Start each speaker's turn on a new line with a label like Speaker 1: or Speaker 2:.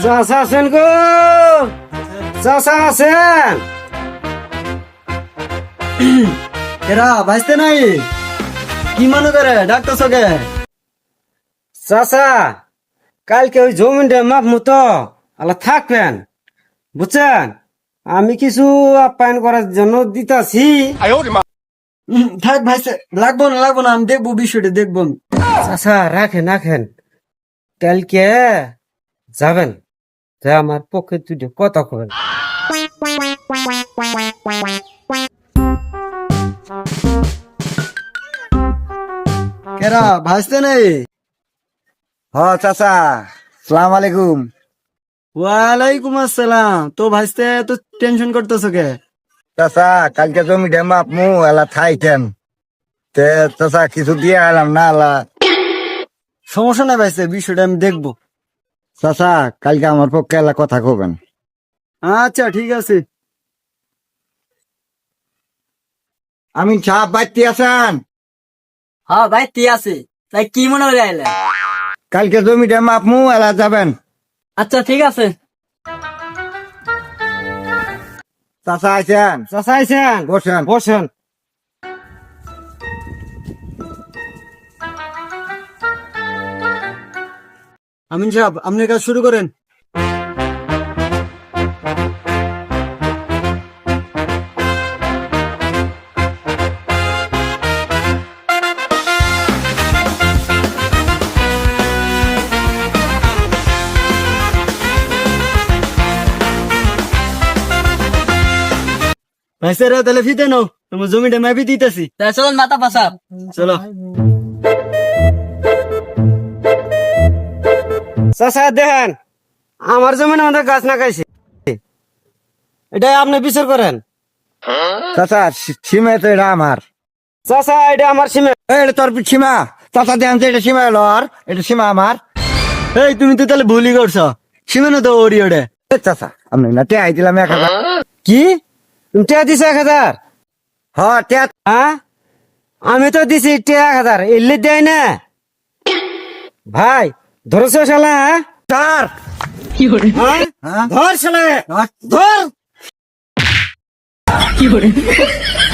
Speaker 1: চাচা আছেন গো, চাচা আছেন?
Speaker 2: এরা ভাইস্তে নাই কি মনে করে ডাক্তার সকে?
Speaker 1: চাচা কালকে ওই জমিনটা মাপ মতো আল্লাহ থাকবেন, বুঝছেন? আমি কিছু আপ্যায়ন করার জন্য দিতাছি।
Speaker 2: থাক ভাইস্তে, লাগবো না আমি দেখবো বিষয়টা দেখবো আমি।
Speaker 1: চাচা রাখেন রাখেন, কালকে যাবেন, যে আমার পক্ষে দুটো কথা কবেন।
Speaker 2: কেরা ভাইস্তে নাই?
Speaker 3: হ চাচা, সালাম আলাইকুম।
Speaker 2: ওয়ালাইকুম আসসালাম। তো ভাইস্তে তো টেনশন করতেছো কে?
Speaker 3: চাচা কালকে জমি ডেমা আপমু এলা থাইতেন তে চাচা কিছু দিয়ে এলাম না এলা।
Speaker 2: সমস্যা নাই ভাইস্তে, বিষয়টা আমি দেখবো।
Speaker 3: চাচা কালকে আমার পক্ষে এলা কথা কবেন।
Speaker 2: আচ্ছা ঠিক আছে।
Speaker 3: আমি সাপ বাড়তি আছেন?
Speaker 4: হ্যাঁ ভাই ঠিক আছে, তাই কি মনে হলে আইলে?
Speaker 3: কালকে জমি ডেমা আপমু এলা যাবেন।
Speaker 4: আচ্ছা ঠিক আছে।
Speaker 3: চাচা আছেন?
Speaker 1: চাচা আছেন?
Speaker 3: বসেন।
Speaker 1: বসেন।
Speaker 2: আমিন সাহেব আপনার কাজ শুরু করেন। ভাইস্তেরা তাহলে ফিতে নাও, তোমার জমিটা মেপি দিতেছি।
Speaker 4: তাই চলুন মাথা পাশা।
Speaker 2: চলো।
Speaker 1: চাচা দেখেন, আমার জমিনে আমাদের গাছ না খাইছে, এটা আপনি বিচার করেন।
Speaker 3: চাচা সীমা তো এটা আমার।
Speaker 1: চাচা এটা আমার সীমা।
Speaker 3: এটা তোর সীমা। চাচা দেখেন তো এটা সীমা এলো, আর এটা সীমা আমার।
Speaker 2: এই তুমি তো তাহলে ভুলই করছো, সীমানো তো ওরি ওরে।
Speaker 3: এ চাচা আমি না টেয়াই দিলাম 1000।
Speaker 1: কি তুমি টিয়া দিছো 1000?
Speaker 3: হ টেয়া।
Speaker 1: হ্যাঁ আমি তো দিছি টিয়া 1000, এলে দেয় না ভাই। ধরেছো শালা? হ্যাঁ
Speaker 3: স্যার
Speaker 1: হ্যাঁ? ধর শালা, ধর।